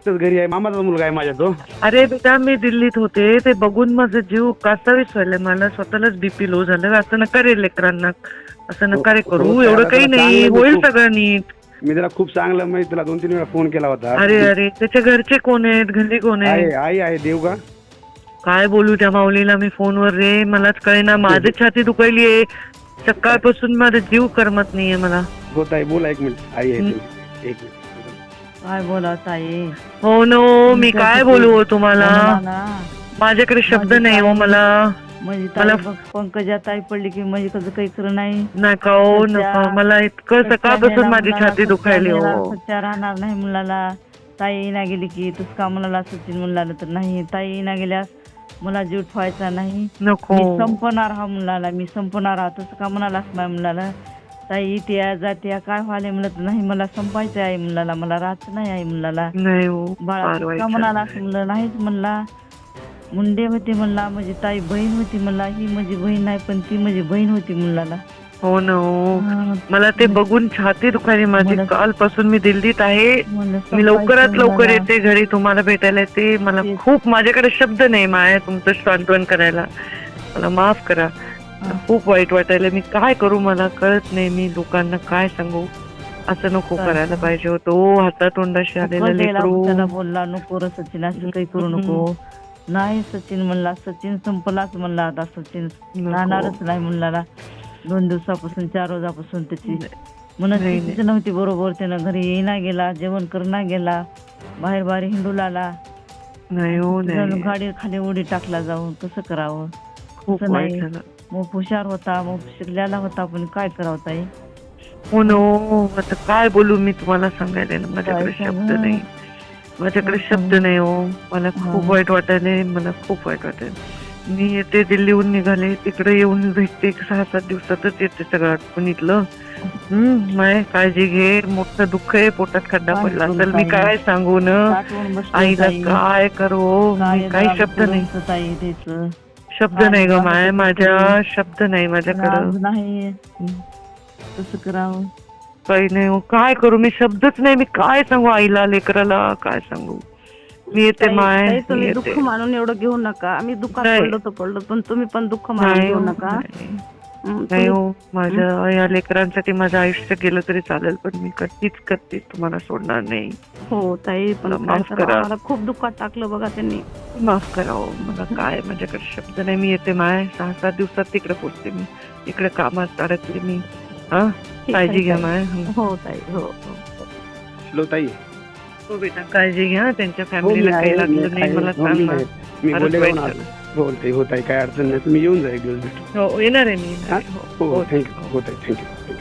एकटाच घरी आहे, मामाचा मुलगा आहे माझ्या तो. अरे बेटा मी दिल्लीत होते, ते बघून माझं जीव कासावीस व्हायला, मला स्वतःलाच बीपी लो झालं. असं नका रे लेकरांना, असं नका रे करू, एवढं काही नाही, होईल सगळं नीट. मी त्याला खूप चांगलं, मी तुला 2-3 वेळा फोन केला होता. अरे अरे त्याच्या घरचे कोण आहेत, घरी कोण आहे? आई आहे देव का. काय बोलू त्या माऊलीला मी फोनवर रे, मलाच कळेना, माझी छाती दुखायली आहे सकाळपासून, माझा जीव करमत नाहीये मला. हो ताई बोला, 1 मिनिट. आई आहे एक मिनिट. काय बोला ताई? हो नो, मी काय बोलू हो तुम्हाला, माझ्याकडे शब्द नाही हो मला. म्हणजे ताई बघ, पंकजा ताई पडली की म्हणजे कसं काही खरं नाही. नका हो नका, मला इतकं सकाळपासून माझी छाती दुखायली हो. सच्चा राहणार नाही मुलाला. ताई ना गेली की तूच का मुलाला सचिन मुलाला तर नाही, ताई ना गेल्यास मला जीव ठेवायचा नाही, नको मी संपणार हा मुलाला, मी संपणार हा. तसं का म्हणालास माझ्या मुलाला? ताई इथे जाते काय व्हायला म्हणत नाही, मला संपायचं आहे मुलाला, मला राहायचं नाही आहे मुलाला. नाही हो बाळा का म्हणालास म्हणलं, नाहीच म्हणला. मुंडे होते म्हणला, माझी ताई बहीण होती म्हणला, ही माझी बहीण नाही पण ती माझी बहीण होती मुलाला. हो ना हो, मला ते बघून छाती दुखायली माझी. कालपासून मी दिल्लीत आहे, मी लवकरात लवकर येते घरी तुम्हाला भेटायला येते. मला खूप, माझ्याकडे शब्द नाही माया तुमचं सांत्वन करायला, मला माफ करा. खूप वाईट वाटायला, मी काय करू मला कळत नाही, मी लोकांना काय सांगू. असं नको करायला पाहिजे होतो, हातातोंडाशी आलेला लेकरू. त्याला बोलला नको रे सचिन, असं काही करू नको. नाही सचिन म्हणला, सचिन संपलाच म्हणला, आता सचिन राहणारच नाही मुलाला. 2 दिवसापासून 4 रोजापासून त्याची मनस्थितीच नव्हती बरोबर. त्यानं घरी येईना गेला, जेवण करणा गेला, बाहेर बाहेर हिंडू लागला. नाही हो नाही, गाडी खाली उडी टाकला जाऊन. कसं करावं? खूप वाईट झालं. मग हुशार होता, मग शिकलेला होता, पण काय करावं ताई? हो नो, आता काय बोलू मी तुम्हाला सांगायला ना, माझ्याकडे शब्द नाही, माझ्याकडे शब्द नाही हो. मला खूप वाईट वाटायले, मला खूप वाईट वाटेल. मी येते दिल्लीहून निघाले, तिकडे येऊन भेटते 6-7 दिवसातच येते सगळं आटपून इथलं. माय काळजी घे, मोठं दुःख आहे, पोटात खड्डा पडला तर मी काय सांगू न आईला, काय करू, काही शब्द नाही, शब्द नाही ग माय, माझ्या शब्द नाही माझ्याकडं. नाही कसं करावं? काही नाही हो, काय करू मी, शब्दच नाही, मी काय सांगू आईला, लेकराला काय सांगू. मी येते माय, तुम्ही दुःख मानून एवढं घेऊ नका. आम्ही दुःखात पडलो पण तुम्ही पण दुःख मानून घेऊ नका. नाही हो, माझ्या या लेकरांसाठी माझं आयुष्य गेलं तरी चालेल, पण मी कधीच तुम्हाला सोडणार नाही. हो ताई, पण माफ करा, मला खूप दुःखात टाकलं बघा त्यांनी. माफ करा हो, मला काय, माझ्याकडे शब्द नाही. मी येते माय, 6-7 दिवसात तिकडे पोहोचते मी, इकडे कामात अडकले मी. हा, काळजी घ्या माय. हो ताई, हो लो ताई. हो बेटा, काळजी घ्या, त्यांच्या फॅमिलीला काही लागलं नाही मला सांग. मी बोलते होत आहे, काय अडचण नाही, तुम्ही येऊन जा एक दिवस भेटू. हो येणार आहे मी. हो थँक्यू. हो ताई, थँक्यू.